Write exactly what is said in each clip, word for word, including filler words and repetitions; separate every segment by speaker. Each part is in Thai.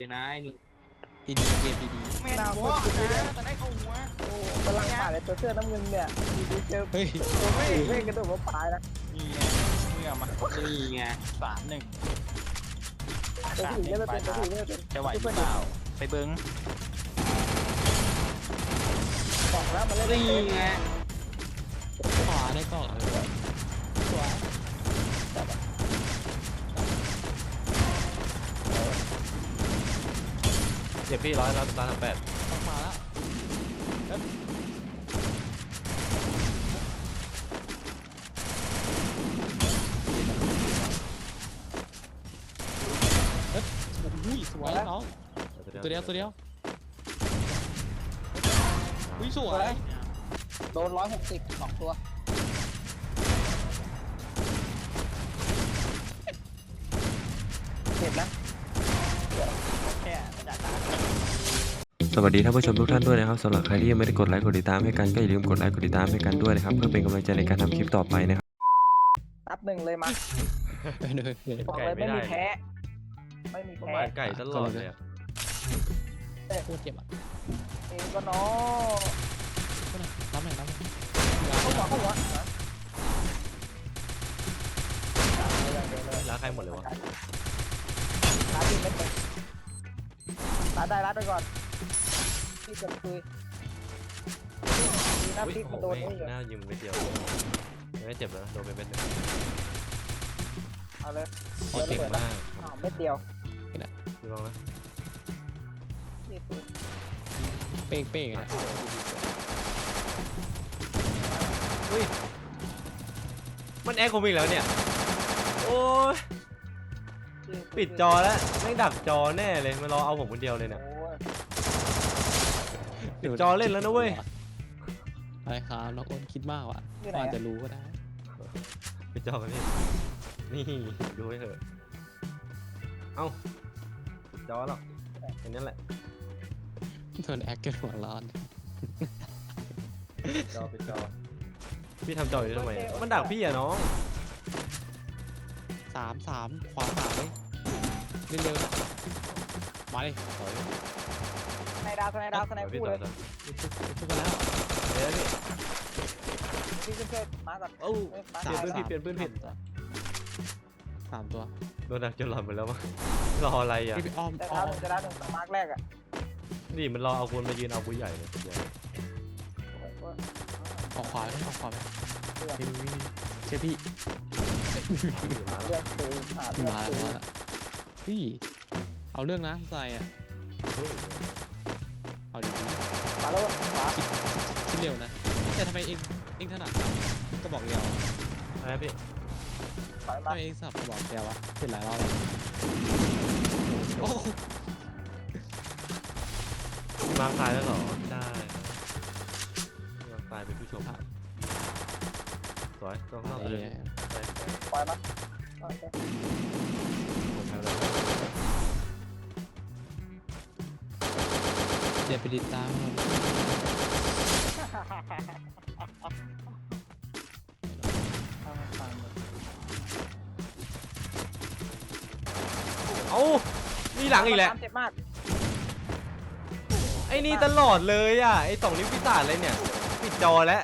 Speaker 1: เลยนะนี่
Speaker 2: ดีดีเกมดีดี
Speaker 1: แม่นหัวนะแต่ได้เข้าหัว
Speaker 3: โอ้กำลังผ่านเลยตัวเสื้อน้ำเงินเนี่ยดีๆเจอ
Speaker 2: เฮ้ย
Speaker 3: ตัวไม่ไม่กระโดดมาปลายนะ
Speaker 1: นี่ไงเมื่อมานี่ไงสามหนึ่ง
Speaker 3: ตัวผู้หญิงเนี่ยเป็นตัวผู้หญิงเนี่ยเป็น
Speaker 1: จะไหวหรือเปล่าไปเบิ้ง
Speaker 3: บอกแล้วมันเล่น
Speaker 1: นี่ไง
Speaker 2: ขวาได้ก่อนเลย
Speaker 3: สวย
Speaker 4: เจ็บพี่ร้อยร้อยร้อยสามแปด
Speaker 2: ต้องมาแล้วเฮ้ยอุ้ยสวยน้องตัวเดียวตัวเดียวอุ้ยสวย
Speaker 3: โดนร้อยหกสิบสองตัวเจ็บนะ
Speaker 1: แค่จัดตา
Speaker 4: สวัสดีท่านผู้ชมทุกท่านด้วยนะครับสำหรับใครที่ยังไม่ได้กดไลค์กดติดตามให้กันก็อย่าลืมกดไลค์กดติดตามให้กันด้วยนะครับเพื่อเป็นกำลังใจในการทำคลิปต่อไปนะครับ
Speaker 3: นับหนึ่งเลยมา
Speaker 2: เฮ้ยเฮ้ยเฮ้ย
Speaker 3: บอกเลยไม่มีแพ้ไม่มี
Speaker 4: ประ
Speaker 3: แพ้
Speaker 4: มาณไก่ตลอดเลยอะ
Speaker 2: โคตรเจ็บอ่ะ
Speaker 3: เองก็เนาะ
Speaker 2: รับหน่อยรับหน่อย
Speaker 3: เข้าหัวเข้าหัว
Speaker 4: ร้านใครหมดเลยวะ
Speaker 3: ร้านที่ไม่เป็นร้านได้ร้านไปก่อนที่จะคุยมีหน้า
Speaker 4: อุ้ย
Speaker 3: พลิก
Speaker 4: โอ้
Speaker 3: มัน
Speaker 4: โห
Speaker 3: โดน
Speaker 4: แม่ง
Speaker 3: นี่อยู่
Speaker 4: หน้ายิงไปเดียวไม่เจ็บแล้วโดนไปเป็นหนึ่ง
Speaker 3: เอาเลย
Speaker 4: โอ้เก่งมาก
Speaker 3: อ้าวเม็ดเดียว
Speaker 4: ดูลองนะ
Speaker 3: นี่คือ
Speaker 2: เป้งเป้งนะ
Speaker 4: อุ้ยมันแอคผมอีกแล้วเนี่ยโอ้ยปิดจอแล้วแม่งดับจอแน่เลยมารอเอาผมคนเดียวเลยเนี่ย
Speaker 3: โอ้ย
Speaker 4: ปิดจอเล่นแล้วนะเว้ย
Speaker 2: อะไรครับน้องอ้นคิดมากว่ะ
Speaker 3: นี่ไหน
Speaker 2: อาจ
Speaker 3: อะ
Speaker 2: จะรู้ก็ได้
Speaker 4: ปิดจอกันนี่นี่ดูให้เถอะเอ้าปิดจอแล้วอันนี้แหละ
Speaker 2: โดนแอคเกินหัวร้อน
Speaker 4: จอปิดจอพี่ทำจออยู่ทำไมมันดักพี่อะน้อง
Speaker 2: สามสามขวาสามเลยเร็วๆมาเลย
Speaker 4: ถอย
Speaker 3: สไนดาวสไนดาวสไน
Speaker 4: ถอยพี่
Speaker 3: คู่
Speaker 4: ต่
Speaker 3: เล
Speaker 4: อย ต่อ
Speaker 2: ทุกคนแล้ว
Speaker 4: เดี๋ยวพี่
Speaker 3: พี่ช่วยมาก่อน
Speaker 4: เอ้าเปลี่ยนปืนผิดเปลี่ยนปืนผิด
Speaker 2: สามตัว
Speaker 4: โดนดักจนหลับไปแล้วมั้งรออะไรอ่ะ
Speaker 2: พี่อ้อม
Speaker 3: แต่
Speaker 2: อ้
Speaker 3: ดา
Speaker 2: อ
Speaker 3: ว
Speaker 2: ม
Speaker 3: หนึ่งจะดาวหนึ่งมาร์กแรกอ่ะ
Speaker 4: นี่มันรอเอาคนมายืนเอากูใหญ่เลยเดี๋ยว
Speaker 2: ออกขวาไหมออกขวาไหม
Speaker 3: เรื่อง
Speaker 2: นี่นี่นี่เชื่อพี่
Speaker 4: มาแล้ว
Speaker 3: เรื่องคือหาเรื่อง
Speaker 2: มา
Speaker 3: คือ
Speaker 2: แล้วมาแล้วพี่เอาเรื่องนะใส่อ่ะเอาดี
Speaker 3: มาแล้วขวา
Speaker 2: ๆคิดเร็วนะแต่ทำไมเองเองถนัดก็บอกเดียว
Speaker 4: อะไรพี่
Speaker 3: ถอย
Speaker 2: ทำ
Speaker 3: มา
Speaker 2: ไมเองสับก็บอกเดียววะเป็นหลายรอบแล้วโอ้
Speaker 4: มาตายแล้วเหรอได้มาตายเป็นผู้ชมสวยต้องเข้าเลย
Speaker 3: ปล่อยมาโอเค
Speaker 4: ผมทำแล้ว
Speaker 2: เดี๋ยวไปติดตามมัน
Speaker 4: เอ้ามีหลังอีกแล้ว
Speaker 3: เจ็บมาก
Speaker 4: ไอ้นี่ตลอดเลยอ่ะไอ้สองนิ้วพิศาจเลยเนี่ยปิดจอแล้ว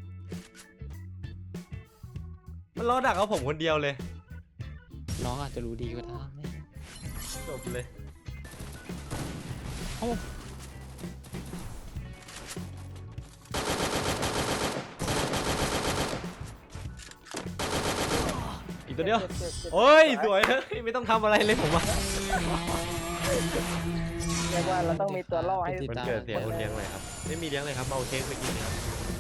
Speaker 4: มันรอดักเอาผมคนเดียวเลย
Speaker 2: น้องอาจจะรู้ดีก็ได้
Speaker 4: จบเลย
Speaker 2: เอ้า
Speaker 4: อีกตัวเดียว
Speaker 3: จ็บจ็บจ็บ
Speaker 4: โอ้ยสวยเลยไม่ต้องทำอะไรเลยผมว่า
Speaker 3: เรียกว่าเราต้องมีตัวล่อให้
Speaker 4: มันเกิดเสียคนเลี้ยงเลยครับไม่มีเลี้ยงเลยครับเอาเค้กไปกินครับ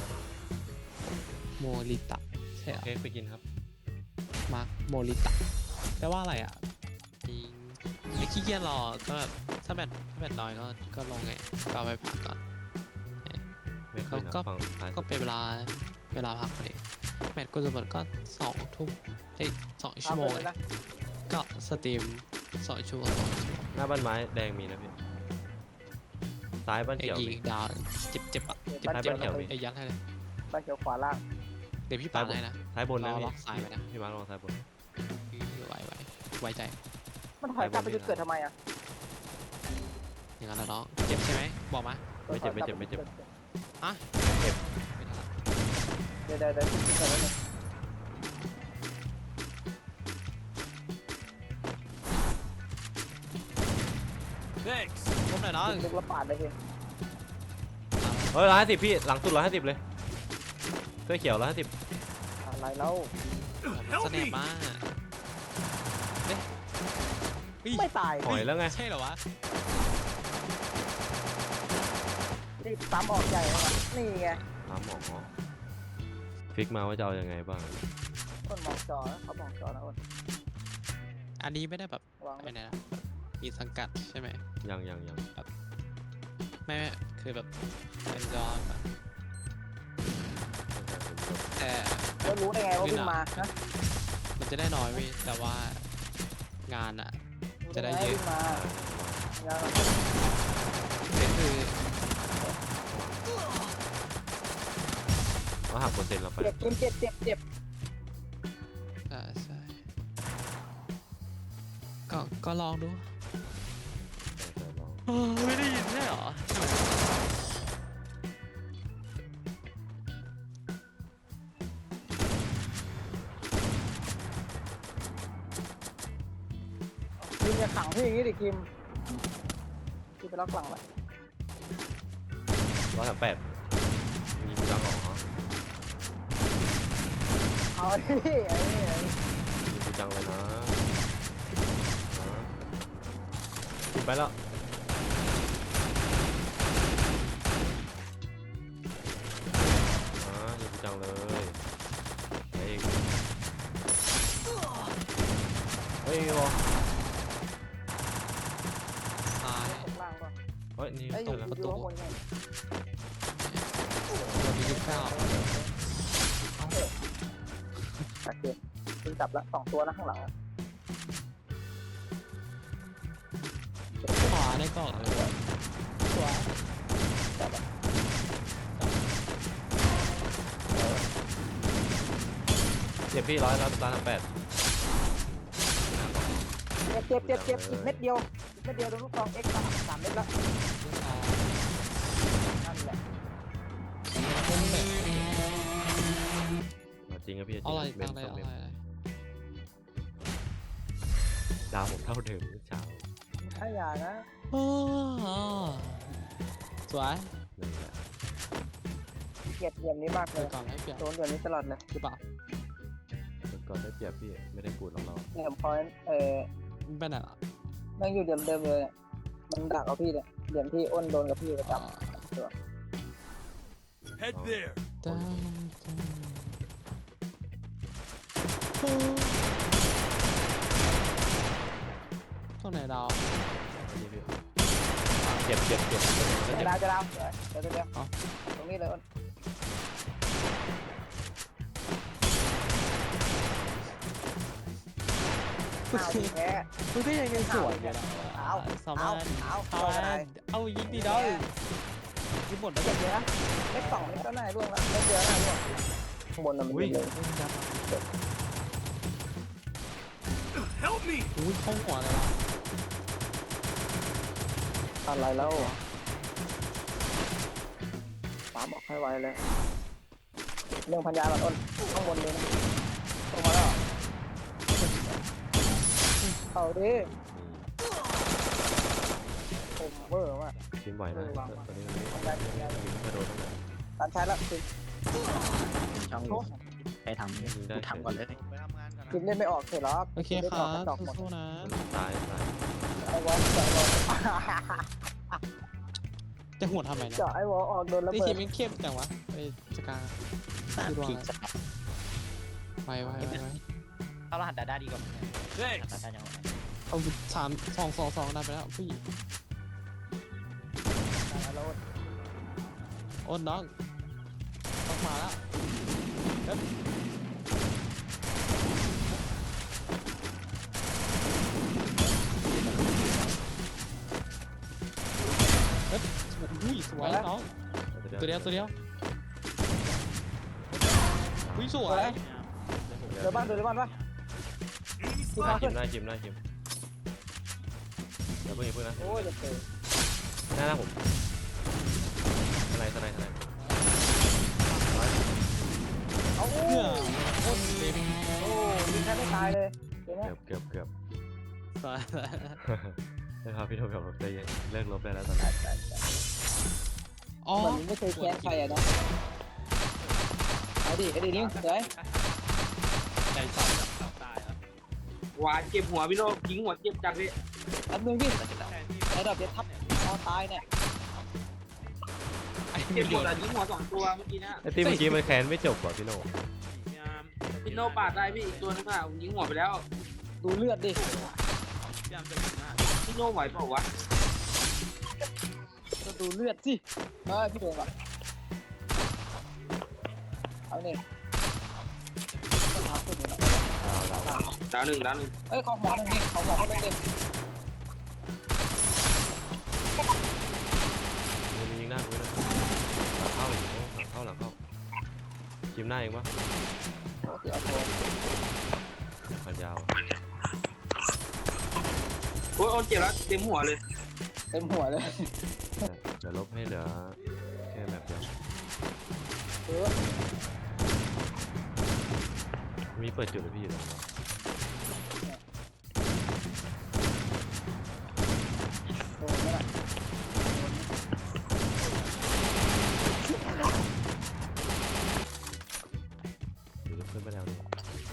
Speaker 2: โมริตะใช่เหรอ
Speaker 4: เค้กไปกินครับ
Speaker 2: มาร์คโมริตะแปลว่าอะไรอ่ะจริงไอ้ขี้เกียจรอก็แบบถ้าแบตถ้าแบตน้อยก็ก็ลงไงก็เอาไปพักก่อน
Speaker 4: ไม่เคยนะ
Speaker 2: ก็
Speaker 4: ฟังท้าย
Speaker 2: ก็เป็นเวลาเวลาพักพอดีแมตช์ก็จะหมดก็สองทุ่มเอ้ยสองชั่วโมง
Speaker 3: เลยนะ
Speaker 2: ก็สตรีมสองชั่วโมงสองชั่วโมง
Speaker 4: หน้าบ้านไม้แดงมีนะพี่ซ้ายบ้าน
Speaker 2: ไอ้
Speaker 4: เขียว
Speaker 2: ยิ
Speaker 4: มี
Speaker 2: งดาวเจ็บเจ็บอ่ะเจ็บ
Speaker 4: ท้าย
Speaker 2: เจ็บ
Speaker 4: บ้านเขียวมี
Speaker 2: ไอ้ยัดให้เลย
Speaker 3: บ้านเขียวขวาล่าง
Speaker 2: เดี๋ยวพี่ปาดให้นะ
Speaker 4: ท้ายบน
Speaker 2: ร
Speaker 4: นะ
Speaker 2: อ
Speaker 4: พี่
Speaker 2: ล็อกซ้ายไว้นะ
Speaker 4: พี่มาร์คลองซ้ายบน
Speaker 2: ไว้ไว้ไว้ใจ
Speaker 3: มันถอยกลับไปจุดเกิดทำไมอ่ะ
Speaker 2: อย่างนั้นแหละน้องเจ็บใช่ไหมบอกมา
Speaker 4: ไม่เจ็บไม่เจ็บไม่เจ็บ
Speaker 2: อ่ะ
Speaker 4: เจ็บ
Speaker 2: ไม่ทันละ
Speaker 3: เดี๋ยวเดี๋ยวเดี๋ยวคิดก่อนแล้วนึง
Speaker 2: ล้มหน่อยน้อง
Speaker 3: ลึกแล้วปาดเลยพี่
Speaker 4: เฮ้ยร้อยห้าสิบพี่หลังสุดร้อยห้าสิบเลยเสื้อเขียวร้อยห้าสิบ
Speaker 3: อะไรแล้ว
Speaker 2: สแนปมากเอ๊ะเฮ้ย
Speaker 3: ไม่ตาย
Speaker 4: หอยแล้วไง
Speaker 2: ใช่เหรอวะ
Speaker 3: นี่ตามออกใหญ่เลยนี่ไง
Speaker 4: ถามหมอฟิกมาว่าจะเอายังไงบ้าง
Speaker 3: อ้นมองจอนะเขามองจอนะอ้น
Speaker 2: อันนี้ไม่ได้แบบ
Speaker 3: วาง
Speaker 2: ไอ้นี่นะมีสังกัดใช่ไหม
Speaker 4: ยังยังยัง
Speaker 2: ไม่ไม่คือแบบเป็นจอแบบแต่
Speaker 3: แล้วรู้ได้ไงว่าวิ่งมานะ
Speaker 2: มันจะได้น้อยเว้ยแต่ว่างานอะ จะได้เยอะ
Speaker 3: วิ่งมายัง
Speaker 2: เป็นคือ
Speaker 4: ว่าหักเปอร์เซ็นต์เราไป
Speaker 3: เจ็บเจ็บเจ็บเจ็บ
Speaker 2: ใช่ใช่ก็ก็ลองดูเออไม่ได้ยินใช่เหรอ
Speaker 3: คิมจะขังพี่อย่างนี้ดิคิมพี่ไปล็อกหลังไว้
Speaker 4: ร้อยสามแปดมีกูดังออกเหรอ
Speaker 3: เอาดิพี่ไอ้นี่ไอ้นี่
Speaker 4: มีกูจังเลยนะกินไปแล้วอ่ามีกูจังเลยไอ้เองเฮ้ยบอ
Speaker 2: ตาย
Speaker 3: ตกล่างป่ะ
Speaker 4: เฮ้ยนี่
Speaker 3: ไอ้ยอ
Speaker 4: เจ
Speaker 3: ยู่
Speaker 4: อแล้ว
Speaker 3: อยู่ข้างบนไง
Speaker 2: เรามียี่สิบเก้า
Speaker 3: โอเคยิงจับละสองตัวนะข้างหลังอะ
Speaker 2: ขวาได้ก่อนเลย
Speaker 3: ตัวจับละ
Speaker 4: เจ็บพี่ร้อยร้อยร้อยสามแปด
Speaker 3: เจ็บเจ็บเจ็บเจ็บอีกเม็ดเดียวอีกเม็ดเดียวโดนลูกซองเอ็กซ์สามสามเม็ดละนั่นแหละ
Speaker 4: จริงครับพี่จริง
Speaker 2: อะไร
Speaker 4: เมน
Speaker 2: อะไร
Speaker 4: สอง
Speaker 2: อะไร
Speaker 4: เมนดาวผมเท่าเดิมเมื่อเช้า
Speaker 3: ถ้าอย่านะ
Speaker 2: โอ้สวย
Speaker 4: นั่นแหละ
Speaker 3: เกลียดเหลี่ยมนี้มากเล
Speaker 2: เดี๋ย
Speaker 3: ยว
Speaker 2: ก่อนให้เปลี่ยน
Speaker 3: โดนแบบนี้ตลอดเลย
Speaker 2: หรือเปล่า
Speaker 4: ก่อนได้เปรียบพี่ไม่ได้กูดหรอกเรา
Speaker 3: เหลี่ยมพอยต์เออ
Speaker 2: มันเป็นอะไร
Speaker 3: แม่งอยู่เหลี่ยมเดิมเลยเนี่ยมันดักเอาพี่เนี่ยเหลี่ยมที่อ้นโดนกับพี่ประจ
Speaker 5: Head there.
Speaker 2: ได้ตรงไหนดาว
Speaker 4: นี่พี่เจ็บเจ็บเจ็บ
Speaker 3: ำ
Speaker 4: เจ็บ
Speaker 3: จะดาวจะดาวเดี๋ยวเดี๋ยวเดี๋ยว
Speaker 2: เอา
Speaker 3: ตรงนี้เลยอ้นอ้าวดีแท้
Speaker 2: มันก็ยังยังสวยอยู่นะ
Speaker 3: เอา
Speaker 2: สา
Speaker 3: เอา
Speaker 2: มารถ
Speaker 3: เอา
Speaker 2: เอา
Speaker 3: เอาอะไร
Speaker 2: เอายิงดีดาวยิงหมดแล้ว
Speaker 3: เจ็บเยอะเล็กสองเล็กก็น่าร่วงแล้วเล็กเยอะน่าร่วงข้างบนน่ะมันยิงเลย
Speaker 5: Help me.
Speaker 2: อุ้ยเข้าหัวเลยว่ะ
Speaker 3: อะไรแล้วปาบอกให้ไวเลยเรื่องพันยาก่อนอ้นข้างบนเลยนะลงมาแล้วเอาดิผมเวอร์ว่ะ
Speaker 4: ชิมไหวนะตอนนี้มัน
Speaker 3: พันยาพันยา
Speaker 4: กระโดดตั้งแต่
Speaker 3: ตันใช้แล้วคือ
Speaker 1: ช่องใครทำ
Speaker 4: ยิงได้
Speaker 1: กูทำก่อนเลย
Speaker 3: กินเล่นไม่ออกเสร็จหรอก
Speaker 2: โอเค
Speaker 3: ล่น
Speaker 2: ค
Speaker 3: ไม่
Speaker 2: รั
Speaker 3: ออกกระจอกหมด
Speaker 2: บสู้ๆนะ
Speaker 4: ตายตาย
Speaker 3: ไอ้วอลเจาะไอ้วอล
Speaker 2: จะหัวทำไมนะ
Speaker 3: เจาะไอ้วอลออกโดนระ
Speaker 2: ไอ้
Speaker 3: เบิ
Speaker 2: ที
Speaker 3: ด
Speaker 2: มมันเข้มจังวะไอ้สกา
Speaker 1: สามพีสกัด
Speaker 2: ไปไปไปไป
Speaker 1: เข้ารหัสดาด้าดีกว่าไหม
Speaker 5: Thanks.
Speaker 1: ดาด้าจังหวะไหน
Speaker 2: เอาสามสองสองสองได้ไปแล้วพี่
Speaker 3: แล้ว
Speaker 2: อ้นน้องต้องมาแล้วเฮ้ยเฮ้ยอุ้ยสวยน้องตัวเดียวตัวเดียวอุ้ยสวย
Speaker 3: เดี๋ยวบ้านเดี๋ยวบ้านปะ
Speaker 5: Enemy
Speaker 3: ที่มา
Speaker 5: spotted.
Speaker 3: ขึ้
Speaker 4: ชิ
Speaker 3: น
Speaker 4: มได้ชิมได้ชิมเดี๋ยวเพิ่งอย่าเพิ่งนะ
Speaker 3: โอ้ยจะเจอ
Speaker 4: หน้าหน้าผมทนายทนายทนาย
Speaker 3: เอา
Speaker 2: เพื่อโคตรเต็ม
Speaker 3: โอ้ยิงแค่ไม่ตายเลยเดี๋ยวนี้
Speaker 4: เกือบเกือบเกือบ
Speaker 2: สาย
Speaker 4: นะครับพี่โทแบบใจเย็นเลิกลบได้แล้วตอนนี้
Speaker 2: อ๋อ
Speaker 3: เหมือนมึงไม่เคยแค้นใครอะเนาะเอาดิเอาดินิ้วเดี๋ยว
Speaker 2: ใจสั่นแบบตายแล้ว
Speaker 6: วายเจ็บหัวพี่โนยิงหัวเจ็บจังพี่
Speaker 3: อันนึงพี่ระดับเดี๋ยวทับคอตายเนี่ย
Speaker 2: ไอ้
Speaker 6: เจ็บ
Speaker 2: ไม่
Speaker 6: หั
Speaker 2: โด
Speaker 6: วน แต่ยิงหัวสองตัวเมื่อกี้นะ
Speaker 4: ไอ้ที่เมื่อกี้มันแค้นไม่จบว่ะพี่โน
Speaker 6: พี่โนปาดได้พี่อีกตัวนึงอ่ะผมยิงหัวไปแล้ว
Speaker 3: ดูเลือดดิ
Speaker 6: พี่โนไหวเปล่าวะ
Speaker 3: ก็ดูเลือดสิเออพี่โดนก่อนเอาเนี่ยเอาขึ้นเลยนะ
Speaker 6: ดาวหนึ่งดาวหนึ่ง
Speaker 3: เอ้ยของหมอหนึ่งนี่ของหมอก็ต้องเด็ก
Speaker 4: มันยิงหน้ากูเลยหลังเข้าหลังเข้าหลังเข้าจิ้มหน้าเองปะ
Speaker 3: โอ้เดี๋ยวโดน
Speaker 4: พันยาว
Speaker 6: โอ้ยโอนเจ็บแล้วเต็มหัวเลย
Speaker 3: เต็มหัวเลย
Speaker 4: เดี๋ยวลบให้เหลือแค่แบบเดียว
Speaker 3: เออ
Speaker 4: มีเปิดจุดเลยพี่อยู่ตรงนี้
Speaker 3: โดนไหมล่ะ
Speaker 4: เดี๋ยวจะขึ้นไปแล้วนี่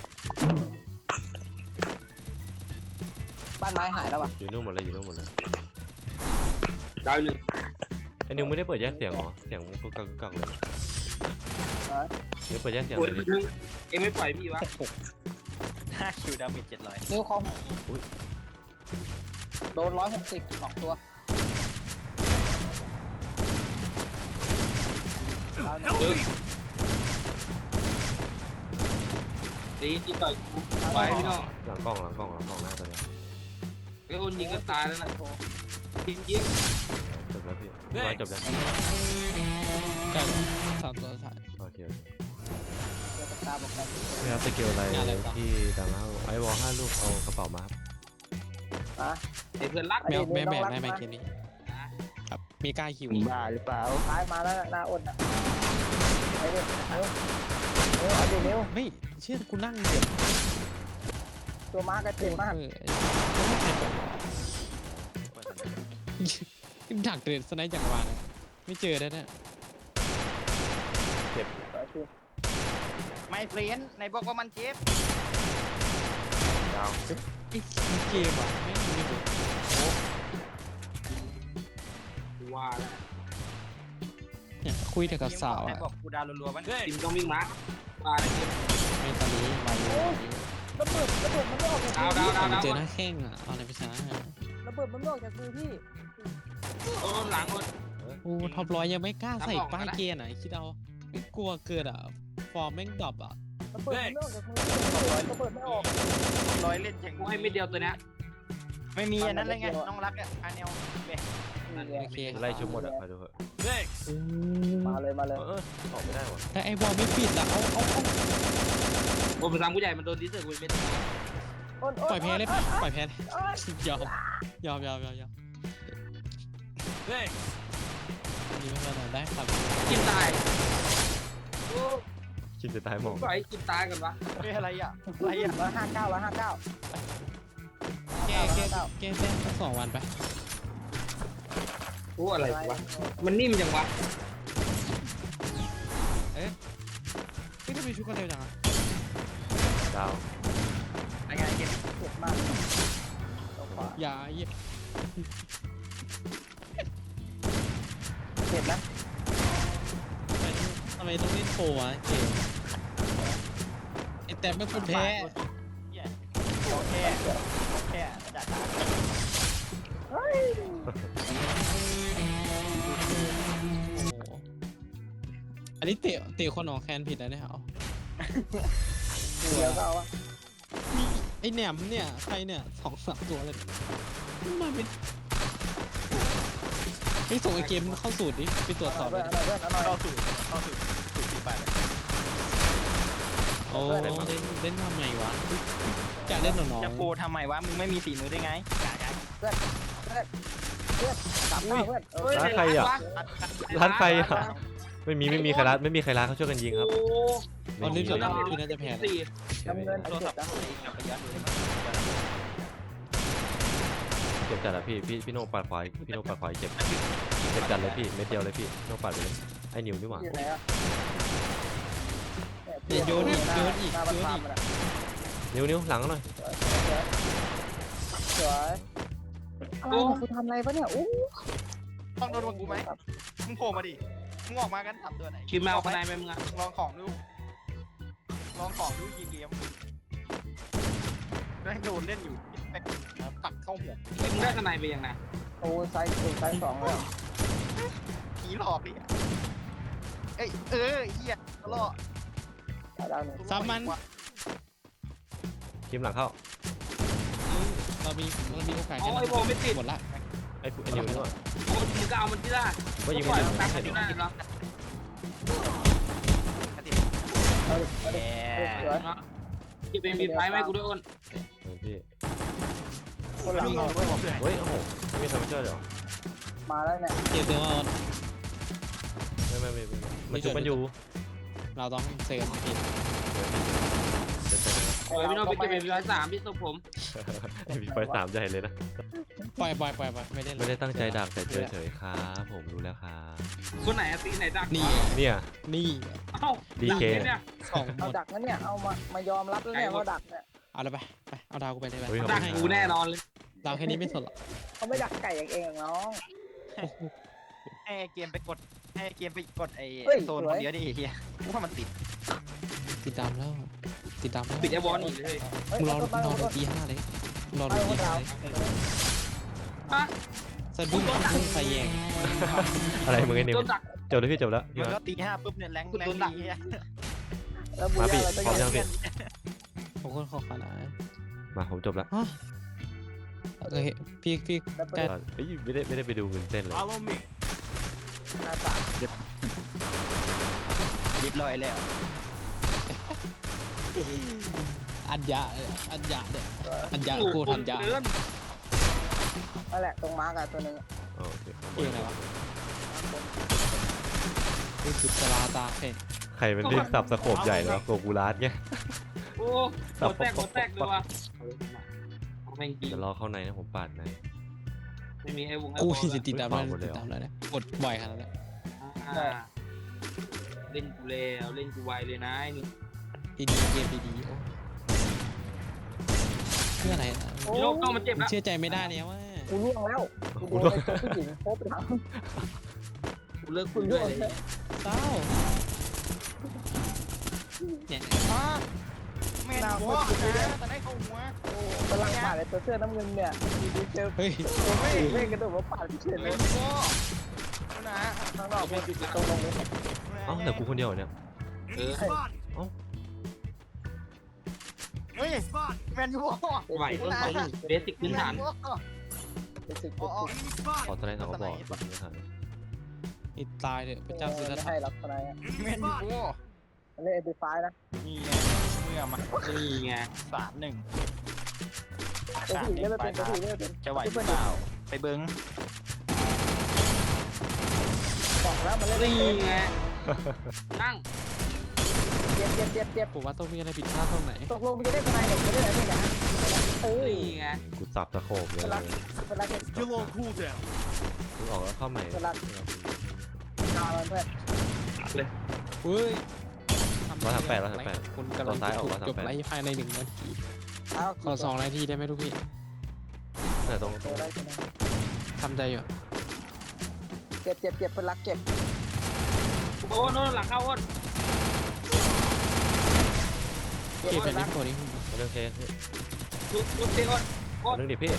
Speaker 3: บ้านไม้หายแล้วป่ะ
Speaker 4: อยู่นู่นหมดเลยอยู่นู่นหมดเลย
Speaker 6: ดาวหนึ่ง
Speaker 4: ไอ้นิวไม่ได้เปิดแยกเสียงเหรอเสียงกุกกักกุกกักเลยนิวเปิดแยกเสียง
Speaker 6: โอ้
Speaker 4: เลย ยดิ
Speaker 6: นึงเอ็งไม่ปล่อยพี่วะ
Speaker 1: ห้าคิวดาเมจเจ็ดร้อย
Speaker 3: นิ้วคอมโดนร้อยหกสิบสองตัว
Speaker 6: เออดีที่ต่อยกูไปพี่โน
Speaker 4: หลังกล้องหลังกล้องหลังกล้องหน้าตัวเนี้ย
Speaker 6: ไอ้โอนยิงก็ตายแล้วนะยิงยิง
Speaker 4: จบแล้วพี่ร้อยจบแล้ว
Speaker 2: ไก่สามตัวถ่าย
Speaker 4: โอเค
Speaker 3: เจอตาบอกกัน
Speaker 4: ไม่ครับสกิลอะไร
Speaker 2: งานอะไรต่อ
Speaker 4: ที่ดังแล้วไอวอลห้าลูกเอากระเป๋ามาครับ
Speaker 3: อ่ะ
Speaker 6: ไอ้เพื่อนรัก
Speaker 2: แมวแม่แม่แม่แม่เกมนี้ครับมีกล้าหิว
Speaker 1: บ้าหรือเปล่า
Speaker 3: ท้ายมาแล้วหน้าอ้นอ่ะไอ้เนี่ยเอ้ยเอ้ยเอาดินิ้ว
Speaker 2: ไม่เชื่อกูนั่งเดี๋ยว
Speaker 3: ตัวม้าก็เจ็บมาก
Speaker 2: เออดักเดินสไนด์จักรวาลไม่เจอแล้วเนี่ย
Speaker 1: ไม่เฟรนในบอกว่ามันเจ็บ
Speaker 2: ไอ้เกมอ่ะไม่มีเลย
Speaker 6: ว่าแล้ว
Speaker 2: เนี่ยคุยแต่กับสาว
Speaker 1: ไหน
Speaker 2: อ่ะ
Speaker 1: บอกกูดาวรัวๆมัน
Speaker 6: ทีมต้องวิ่งมาว่าอะไรพี่
Speaker 2: ไม่ตอนนี้มาอยู่
Speaker 3: ระเบิดระเบิดมันไม่ออกจาก
Speaker 6: ดาว
Speaker 3: มือ
Speaker 6: ดาว
Speaker 3: พี่
Speaker 6: ดาวดาว
Speaker 2: เจอหน้าแข้งอ่ะเอาอะไรไปช้า
Speaker 3: ระเบิดมันไม่ออกจากมือพี่
Speaker 6: โอนหลังโอน
Speaker 2: โอ้ท็อปร้อยยังไม่กล้าใส่ป้ายเกียร์ไหนคิดเอาไม่กลัวเกิดอ่ะฟอร์มแม่งดรอปอ่ะ
Speaker 3: ระเบิดมันไม่ออกจากมือระเบิดไม่ออก
Speaker 1: ร้อยเล่นอย่าง
Speaker 6: กูให้ไม่เดียวตัวเนี้ย
Speaker 1: ไม่มีอันนั้นเลยไงน้องรักอ่ะอันเนล
Speaker 2: โอเค
Speaker 4: ไล่ชุบหมดอ่ะมาดูเถอะ
Speaker 5: Thanks.
Speaker 3: มาเลยมาเลย
Speaker 4: เออออกไม่ได้ว่ะ
Speaker 2: แต่ไอ้บอลไม่ปิดอ่ะเอาเอาเอา
Speaker 6: โอ้ภาษาผู้ใหญ่มันโดนดิสเซอร์กูไม่ได้
Speaker 2: ปล่อยแพ้เลยปล่อยแพ้เลยยอมยอมยอมยอมยอม
Speaker 5: Thanks.
Speaker 2: นี่ไม่เป็นไรได้ครับ
Speaker 6: กินตาย
Speaker 4: คิดจะตายหมอง
Speaker 6: ปล่อยกินตายกันวะ
Speaker 1: เฮ้ยอะไรอ่ะอะไรอ่ะ
Speaker 3: ร้อยห้าเก้าร้อยห้าเก้า
Speaker 2: แก้แก้แก้แก้สักสองวันไป
Speaker 6: โอ้อะไรวะมันนิ่มจังวะ
Speaker 2: ไม่ทำไมชุกกันเร็วจังอ่ะ
Speaker 4: ดาว
Speaker 1: อะไรไงเกม
Speaker 3: เจ็บมากตัวขวา
Speaker 2: อย่าเยี่ย
Speaker 3: เจ็บนะ
Speaker 2: ทำไมต้องเล่นโฟวะเกมไอ้แต่ไม่คนแพ้
Speaker 1: โอเคโอเคจัดตา
Speaker 3: เฮ้ย
Speaker 2: อันนี้เตะเตะคนออกแคนผิดแล้วเนี่ยเอา
Speaker 3: เดี๋ยวก็เอาวะ
Speaker 2: ไอ้แหนมเนี่ยใครเนี่ยสองสามตัวเลยมาเป็นไอ้ส่งไอเกมเข้าสูตรดิไปตรวจสอบ
Speaker 3: เพื่
Speaker 2: เล
Speaker 3: อน
Speaker 2: ย
Speaker 3: เอาหน่อยเพื่อนเอาหน่อย
Speaker 1: เข้าสู่เข้าสู่สู่ที่ไปเลย
Speaker 2: โอ้เล่นเล่นทำไมวะจะเล่นหนอ
Speaker 1: จะโปรทำไมวะมึงไม่มีฝีมือได้ไง
Speaker 3: สาม
Speaker 1: ลับไป
Speaker 3: เพื่อนเออ
Speaker 6: เฮ้ย
Speaker 4: ร้านใครอ่ะ
Speaker 6: ว
Speaker 4: ร้านใครอ่ะไม่มีไม่มีใครร้านไม่มีใครร้านเขาช่วยกันยิงครับ
Speaker 6: โอ้
Speaker 2: ตอนนี้
Speaker 4: ไม่
Speaker 2: จ
Speaker 4: มี
Speaker 2: บแล้วพี่น่าจะแพ้แล้ว
Speaker 6: สี่
Speaker 3: น้ำเงิน
Speaker 1: โท
Speaker 3: ไอ้
Speaker 1: ร
Speaker 3: เจ็
Speaker 1: ศั
Speaker 3: บ
Speaker 1: พท์
Speaker 3: นะ
Speaker 1: กลับไปย้อนดู
Speaker 4: เจ็บจัดอะพี่พี่พี่โน่ปัดขวาพี่โน่ปัดขวาเจ็บเจ็บจัดเลยพี่เม็ดเดียวเลยพี่โน่ปัดไปเลยไอ้นิวนี่หว่า
Speaker 3: อยู่ไหนอะ
Speaker 2: เดี๋ยวโยนอีกโยนอีก
Speaker 3: หน้า
Speaker 2: โย
Speaker 3: บ้าน
Speaker 2: น
Speaker 3: ฟาร์
Speaker 2: อี
Speaker 3: ม
Speaker 2: ก
Speaker 3: มันอะ
Speaker 4: นิวนิวหลังหน่อย
Speaker 3: สวยอะไรเนี่ยกูทำอะไรปะเนี่ยอู้
Speaker 1: ต้องโดนกูไหมมึงโผล่มาดิมึงออกมากันทำตัวไหน
Speaker 6: คิมแมวคนไหนไหมมึงอ่ะ
Speaker 1: ลองของดูลองของดูยิงเกมแม่งโดนเล่นอยู่แม่งปักเข้าหัว
Speaker 6: คิมได้ข้างในไปยังไง
Speaker 3: โอ้ไซส์ไซส์สองเลย
Speaker 1: ผีหลอกดิเอ้ยเออเหี้ยตลอด
Speaker 3: ดาวหนึ่ง
Speaker 2: ซ้ำมัน
Speaker 4: ทีมหลังเข้า
Speaker 2: เรามีเรามีโอกาส
Speaker 6: อ๋อไอ้โบไม่ติด
Speaker 2: หมดละ
Speaker 4: ไอ้ไอ้นิวนี่หว่า
Speaker 6: โอ้มึงก็เอามันที่ละ
Speaker 4: ก็ยิง
Speaker 6: ปล่
Speaker 4: ไม่
Speaker 6: อย
Speaker 4: ถึ
Speaker 6: มัน
Speaker 4: ง
Speaker 6: ตาม
Speaker 4: ไม่
Speaker 6: กัน
Speaker 4: ถึ
Speaker 6: ที่
Speaker 4: ง
Speaker 6: ได้เหรอ
Speaker 3: เอาดิเอา
Speaker 1: แห
Speaker 3: ดิ
Speaker 1: ม
Speaker 3: สวย
Speaker 6: คิมเป็นมีไฟไหมกูด้วยอ้น
Speaker 4: เออพี่
Speaker 3: คนหลัง
Speaker 1: วิ่ง
Speaker 3: เรา
Speaker 1: ด้วยผม
Speaker 4: เฮ้ยโอ้โหไม่มีใครมาช่วยเลยเหรอ
Speaker 3: มาแล้วเนี่ย
Speaker 2: เจ็บตัวอ่อน
Speaker 4: ไม่ไม่ไม่ไม่มันชุบมันอยู่
Speaker 2: เราต้องเซฟผิด
Speaker 4: เดี๋ยวเดี๋ยวเดี๋ยว
Speaker 6: โอ้ยพี่โน้ตไปเก็บเป็นร้อยสามพี่สุผม
Speaker 4: มีไฟสามใหญ่เลยนะ
Speaker 2: ปล่อยปล่อยปล่อยปล่อยไม่ได้
Speaker 4: ไม่ได้ตั้งใจดักแต่เจอเฉยครับผมรู้แล้วครับ
Speaker 6: คนไหนอะตีไหนดัก
Speaker 2: นี่
Speaker 4: เนี่ย
Speaker 2: นี่
Speaker 6: เอ้า
Speaker 4: ดีเค
Speaker 6: ดักเนี่ย
Speaker 2: สองหม
Speaker 3: เอา
Speaker 2: ด
Speaker 3: ดักนั้นเนี่ยเอามามายอมรับแล้วเนี่ยว่าดักเนี่ย
Speaker 2: เอาเลยไปไปเอาดาวกูไปเลยไป
Speaker 4: เฮ้ย
Speaker 6: ดักกูแน่นอนเลย
Speaker 2: ดาวแค่นี้ไม่สนหรอก
Speaker 3: เขาไม่ดักไก่อย่างเองหรอกน้อง
Speaker 1: ให้เกมไปกดให้เกมไปกดไอ้
Speaker 3: เฮ้ย
Speaker 1: โซน
Speaker 3: ส
Speaker 1: ค
Speaker 3: วย
Speaker 1: นเดียวดิเฮียกูว่ามันติด
Speaker 2: ติดตามแล้วติดตามแล้ว
Speaker 6: ปิดไอ้บอลอีกเลย
Speaker 3: เฮ้ย
Speaker 2: มึงรอ
Speaker 3: เอา
Speaker 2: มึงรอ
Speaker 3: เอา
Speaker 2: ดูตีห้าเลยรอ
Speaker 3: เอา
Speaker 2: ดูตี
Speaker 3: เอา
Speaker 2: ห้า
Speaker 3: เอา
Speaker 2: เลย
Speaker 6: ฮะ
Speaker 2: สะดุ้งพุ่งไฟแยง
Speaker 4: อะไรมึงไอ้นิว
Speaker 6: โดนดัก
Speaker 4: จบแล้วพี่จบแล้วพี่
Speaker 1: มัน
Speaker 4: มา
Speaker 1: ก็ตีห้าปุ๊บเนี่ยแรงแรงดีเฮีย
Speaker 3: แล้วบู
Speaker 4: มาพี่
Speaker 3: ย่าเราจะ
Speaker 4: พร้อม
Speaker 3: ยั
Speaker 4: ยัง งพี่
Speaker 2: ขอบคุณขอบคุณนะ
Speaker 4: มาผมจบแล้ว
Speaker 2: ฮะโอเคพี่พี่
Speaker 3: แล้ว
Speaker 2: ใกล้
Speaker 4: เฮ้ยไม่ได้ไม่ได้ไปดูเงินเส้นเลย
Speaker 5: Follow me.
Speaker 3: หน้าตา
Speaker 1: ยิบลอยแล้ว
Speaker 2: อัญญาอัญญาเนี่ยอัญญา
Speaker 6: โอ้
Speaker 2: โค
Speaker 6: โห
Speaker 2: ตรอัญญา
Speaker 6: เกิน
Speaker 3: นั่นแหละตรงมาร์กอะตัวหนึง
Speaker 4: โอเค
Speaker 2: เองอะไรวะนี่คือตาตาเพ่
Speaker 4: ใครมันเรียกสับสโคบใหญ่เหรอโกกูรัสไง
Speaker 6: โอ้หัวแตกหัวแตกเลยว่ะเอาแม่งจริง
Speaker 4: เดี๋ยวรอเข้าในนะผมปาดใน
Speaker 6: ไม่มีไอ้วงไอ้
Speaker 2: กู
Speaker 6: บอล
Speaker 2: ที่จะติดตามแล้ว
Speaker 4: หมดเลย
Speaker 2: ติ
Speaker 4: เหรอ
Speaker 2: ดตามแล้วเนี่ยกดบ่อยขนาดนั้น
Speaker 6: อ่าเล่นกูแล้วเล่นกูไวเลยนะไอ้นี่
Speaker 2: ดีดีเกมดีดีเพื่ออะไรนะ
Speaker 6: พี่โน้ตต้องมาเจ็บ
Speaker 2: มึง
Speaker 6: แล้ว
Speaker 2: เชื่อใจไม่ได้เนี่ยว่า
Speaker 3: กูล่วงแล้วกูโดนไอ้ตัวผู้หญิงโคบไปทั้ง
Speaker 6: กูเลิกคุยด้วยเลย
Speaker 2: เศร้าเนี่ย
Speaker 1: มาแม่นหัวนะแต่ได้เข้าหัว
Speaker 3: กำลังปาดไอ้ตัวเสื้อน้ำเงินเนี่ยดีๆเจอ
Speaker 2: เฮ้ย
Speaker 3: ตัวเม่เม่กระโดดมาปาดพี่เฉยเล
Speaker 1: แม่
Speaker 3: ย
Speaker 1: นหัวนะ
Speaker 3: ข้างนอกมันตรงลงเลย
Speaker 4: เอ้าแต่กูคนเดียวเนี่ย
Speaker 6: เออ
Speaker 5: Spotted.
Speaker 1: เฮ้ย
Speaker 5: Spotted.
Speaker 1: แม่นหัว
Speaker 6: ไหวต้นเขาเบสิกพื้นฐาน
Speaker 3: เป็นสิบ
Speaker 1: อ๋อ
Speaker 5: Enemy
Speaker 4: ขอ
Speaker 5: spotted.
Speaker 4: สไลด์สองกระบอกไม่ทัน
Speaker 2: ไอ้ตายเลยพระเจ้าสุด
Speaker 3: ไม่
Speaker 2: ท้า
Speaker 3: ให้
Speaker 2: ย
Speaker 3: หรอกทนาย
Speaker 1: แม่นหัว
Speaker 3: มันเล่นเอ็นดีไฟนะ
Speaker 1: นี่ไงเมื่อมา
Speaker 6: นี่ไง
Speaker 1: สามหนึ่ง
Speaker 3: ตัวผู้หญิงเล่นไม่เป็นตัวผู้หญิงเล่นไม่เป็น
Speaker 1: จะไหวหรือเปล่าไปเบิ้ง
Speaker 3: บอกแล้วมันเล่นไม่
Speaker 6: นี่
Speaker 3: เป็น
Speaker 6: ไงนั่ง
Speaker 3: เจ็บเจ็บเจ็บเจ็บ
Speaker 2: ผมว่าต้องมีอะไรผิดพลาดตรงไหน
Speaker 3: ตกลงมันจะได้ทนายเนี่ยจะได้อะไรเนี่ยนะเออ
Speaker 6: นี่ไง
Speaker 4: กูสับสโคบเลย
Speaker 3: เวลาเวลาเก็บ
Speaker 5: Still on cooldown.
Speaker 4: กูออกแล้วเข้าใหม่
Speaker 3: เวลาตามันเพื่อน
Speaker 2: เฮ้ย
Speaker 4: ร้อยสามแปดร้อยสามแปด
Speaker 2: คุณกำลัง
Speaker 4: ตัวซ้ายออกร้อยสาม
Speaker 2: จบ
Speaker 4: แปด
Speaker 2: ไลฟ์ภายในหนึ่งนาที
Speaker 3: เอา
Speaker 2: ขอสองนาทีได้ไหมทุกพี่
Speaker 4: แต่ตรง
Speaker 3: ตัวอะไรกัน
Speaker 2: ทำใจอยู่
Speaker 3: เจ็บเจ็บเจ็บเป็นรักเจ็บ
Speaker 6: โอ้โน่นหลังเข้าอ้น
Speaker 3: เจ็บ
Speaker 2: เก็บ
Speaker 3: เป็
Speaker 2: เป็น
Speaker 3: นรั
Speaker 2: นิ
Speaker 3: ก
Speaker 2: โคนี่
Speaker 4: เรื่องเคส
Speaker 6: ลุกลุกเตะอ้นอ้น
Speaker 4: เรื่องดิพี่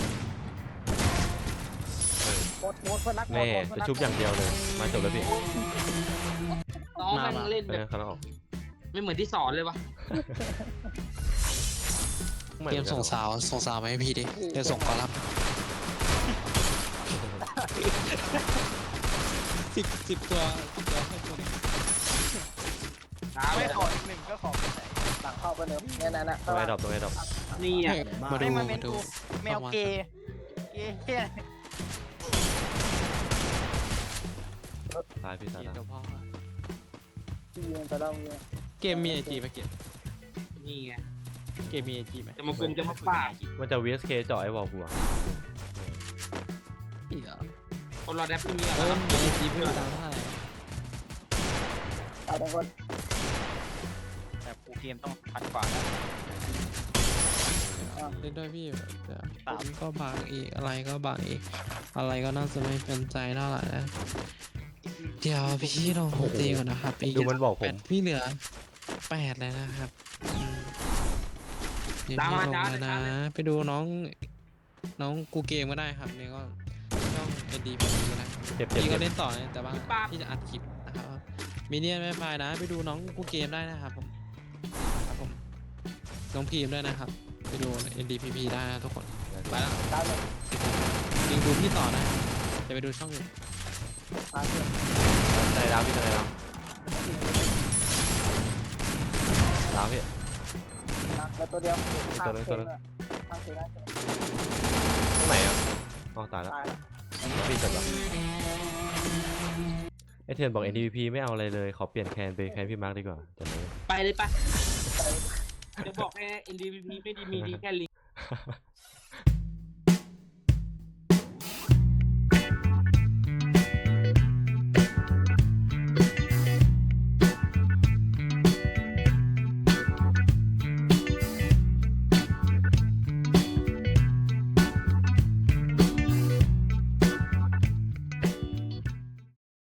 Speaker 3: หมดหมดเป็นรัก
Speaker 4: แม่จะชุบอย่างเดียวเลยมาจบแล้วพี่
Speaker 6: น้องมันเล่น
Speaker 4: เอ
Speaker 6: แบ
Speaker 4: อบ เขาออก
Speaker 6: ไม่เหมือนที่สอนเลยวะ
Speaker 2: เตรียมส่งสาวส่งสาวมาให้พี่ดิเดี๋ยวส่งกอลัมน์สิบสิบตัวสิบตัวให้คน
Speaker 6: น้ำ
Speaker 1: ไม่
Speaker 6: ไม่
Speaker 1: ขออีกหนึ่งก็ขอไปไหน
Speaker 3: หลังเข้าไปเนิมเนี่ยนั่นน่ะ
Speaker 4: ตรงไอ้ดอกตรงไอ้ดอก
Speaker 6: นี่อ่ะ
Speaker 2: มาดู
Speaker 1: ให้มา
Speaker 2: มา
Speaker 1: เป็น
Speaker 2: ดู
Speaker 1: กูแมวเกย์เกย์เฮีย
Speaker 4: ายพี่ตาย
Speaker 2: เกม
Speaker 4: แล้ว
Speaker 2: กับพ่อ
Speaker 3: ที่ยิงไปแล้วเนี่ย
Speaker 2: เกมมีไอจีไหมเกม
Speaker 6: นี่ไง
Speaker 2: เกมมีไอจีไหม
Speaker 6: จะมากุมจะมาปาด
Speaker 4: มันจะ วี เอส เค เจาะไอ้วอลกูอะ
Speaker 2: อีกเหรอ
Speaker 6: คนรอแดปที่มีอะ
Speaker 2: เอ
Speaker 6: ไร
Speaker 2: อมีไอจีไม่รู้ตังค์เท่าไหร่
Speaker 3: ตายทั้งคน
Speaker 1: แต่กูเกมต้องพันกว่านะ
Speaker 2: เล่นด้วยพี่เดี๋ยวผมก็บางอีกอะไรก็บางอีก อะไรก็น่าจะไม่เป็นใจเท่าไหร่นะเดี๋ยวพี่ลองตีก่อนนะครับอี
Speaker 4: ดูมันบอกผ
Speaker 2: แป
Speaker 4: ม
Speaker 2: ดพี่เหลือแปดเลยนะครับอืมเดี๋ยวพี่ลงแล้วนะ ไปดูน้องน้องกูเกมก็ได้ครับนี่ก็ช่อง เอ็น ดี พี ก็ได้
Speaker 4: เจ็บเจ็บ
Speaker 2: พี่ก็
Speaker 4: เจ็บ
Speaker 2: เล่นต่อนะแต่ว่าพี่จะอัดคลิปนะครับมีเนียนไม่ไปนะ ไปดูน้องกูเกมได้นะครับผมครับผมน้องพีมด้วยนะครับ ไปดู เอ็น ดี พี พี ได้นะทุกคนไปแล้ว
Speaker 3: ตายเลย
Speaker 2: ยิงดูพี่ต่อนะจะไปดูช่องอื่น
Speaker 3: ตายเลย
Speaker 4: ตายแล้วพี่ตายแล้วแล้วพี่
Speaker 3: แล้วตัวเดียว
Speaker 4: ตัวนึงตัวนึง
Speaker 3: ข้างเสียได้
Speaker 4: ตรงไหนอ่ะอ๋อตายแล้ว
Speaker 3: ตาย
Speaker 4: พี่จบแล้วไอเทนบอก เอ็น ดี พี ไม่เอาอะไรเลยขอเปลี่ยนแคนเป็นแคนพี่มาร์คดีกว่าจะเลย
Speaker 6: ไปเลยไปจะบอกแค่ เอ็น ดี พี ไม่ดีมีดีแค่ลิง